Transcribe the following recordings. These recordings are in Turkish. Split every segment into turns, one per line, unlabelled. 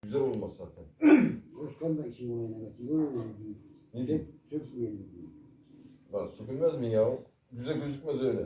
Güzel olmaz zaten.
Özkan da işin olayına kaçıyor.
Ne diyeyim?
Sökmeyelim diye.
Lan sökülmez mi ya? Güzel gözükmez öyle.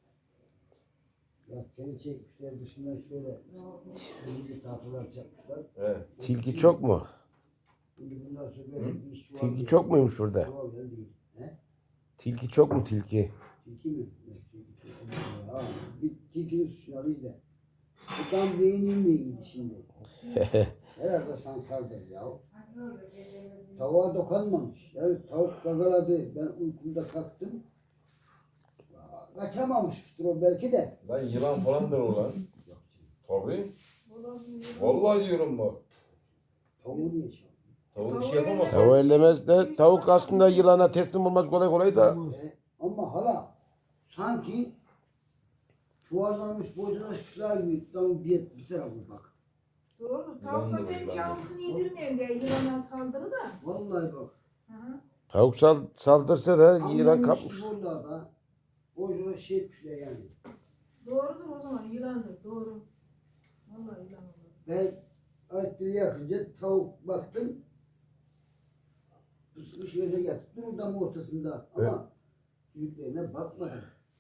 Ya kendi çekmişler dışından şöyle bir tahtalar çakmışlar.
He.
Tilki çok mu?
Şimdi bunlar sökerek bir iş çuval
Tilki
diye.
çok muymuş burada?
Çuval öyle değil. He?
Tilki çok mu tilki?
Tilki mi? Evet, tilki çok. Ha, bir tilkinin suçunu al izle. Bu tam beyninle iyiydi şimdi. Herhalde sansaldır ya. Tavuğa dokunmamış. Ya tavuk gagaladı. Ben uykumda kalktım. Kaçamamıştır o belki de.
Lan yılan falandır o lan. Tabii. Vallahi diyorum bak.
Tavuğu niye şey?
Tavuk bir şey yapamaz.
Tavuğu ellemez de tavuk aslında yılana teslim olmaz kolay kolay da.
Ama hala sanki çuvallanmış boydaşmışlar gibi tam bir tarafı bak.
Doğru. Tavuk zaten yavrusunu yedirmeyen diye yılana saldırı da.
Vallahi bak.
Hı.
Tavuk saldırsa da yılan
Anlamış
kapmış.
buralarda. O şey etmişler yani.
Doğrudur o zaman yılandır. Doğru. Vallahi yılan olur.
Ben ayetleri yakınca tavuk baktım. Pısmış yere yattı. Dur tam ortasında. Ama büyüklerine bakmadım.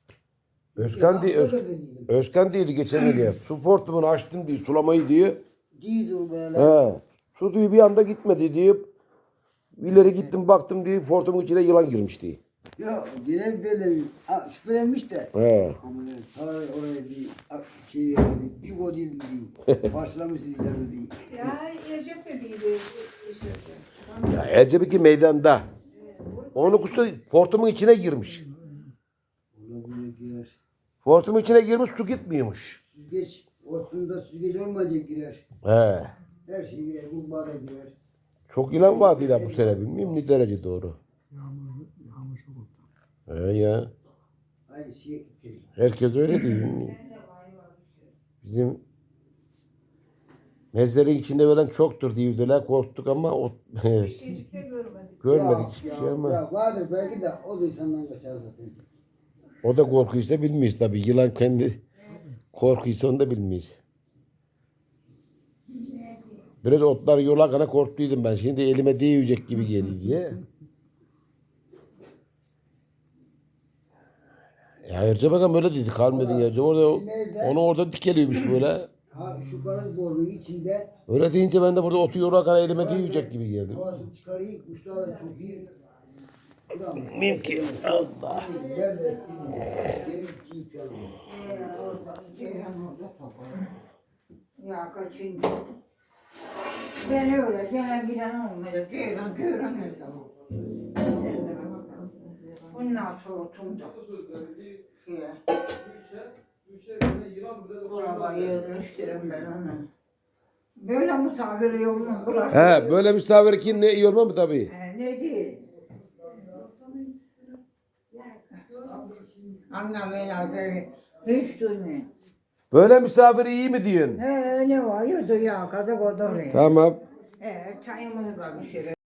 Özkan değildi geçen gün ya. Su portumunu açtım diye sulamayı diye.
Değildir böyle.
He. Su diye bir anda gitmedi diye. İleri gittim baktım diye portumun içine yılan girmiş diye.
Ya genel böyle şüphelenmiş de.
He.
Ama tarih oraya değil, şey yerine bir o değil mi değil. Parçalamışız ileride değil.
Ya Recep de değildi.
Ya Ercebeki meydanda. Onu kustu portumun içine girmiş.
Olabilir girer.
Portumun içine girmiş su gitmiyormuş.
Süzgeç, ortasında süzgeç olmayınca girer.
He.
Her şey girer, kurbağaya girer.
Çok yılan vardı ya bu sene bilmiyorum ne derece doğru.
Yağmur çok oldu.
He ya.
Aynı şey değil.
Herkes öyle değil. Bizim mezlerin içinde ölen çoktur diyordular. Korktuk ama
Bir şeycik de görmedik.
görmedik hiçbir şey ama.
Ya vardır belki de o da insandan kaçar zaten.
O da korkuysa bilmeyiz tabii. Yılan kendi korkuysa onu da bilmeyiz. Biraz otlar yola kana korktuydum ben. Şimdi elime değecek gibi geliyor diye. Ya Erce bakalım öyle dedi. Kalmadın Erce. Onu orada dikeliyormuş böyle.
Ha şu karın borunun içinde
Öyle deyince ben de burada otu yola kana elime değecek gibi geldi.
havasını çıkarıyor, kuşlar da çok iyi.
Mümkün. Allah.
Nerede? Geri gidiyor.
Ceylan orada toplar. Ya kaçıncı? Ben öyle gelen giden olmuyor. Ceylan öyle bu. Bundan sonra otumda. Buraya yerleştirin ben onu. Böyle misafir yolunu bırak.
He böyle misafir kim ne iyi olmaz mı tabii?
Ne değil. Anlamıyla adı hiç duymuyor.
Böyle misafir iyi mi diyorsun?
Ne var? Yudu ya kadar o da oraya.
Tamam.
Çayımızı da pişirelim.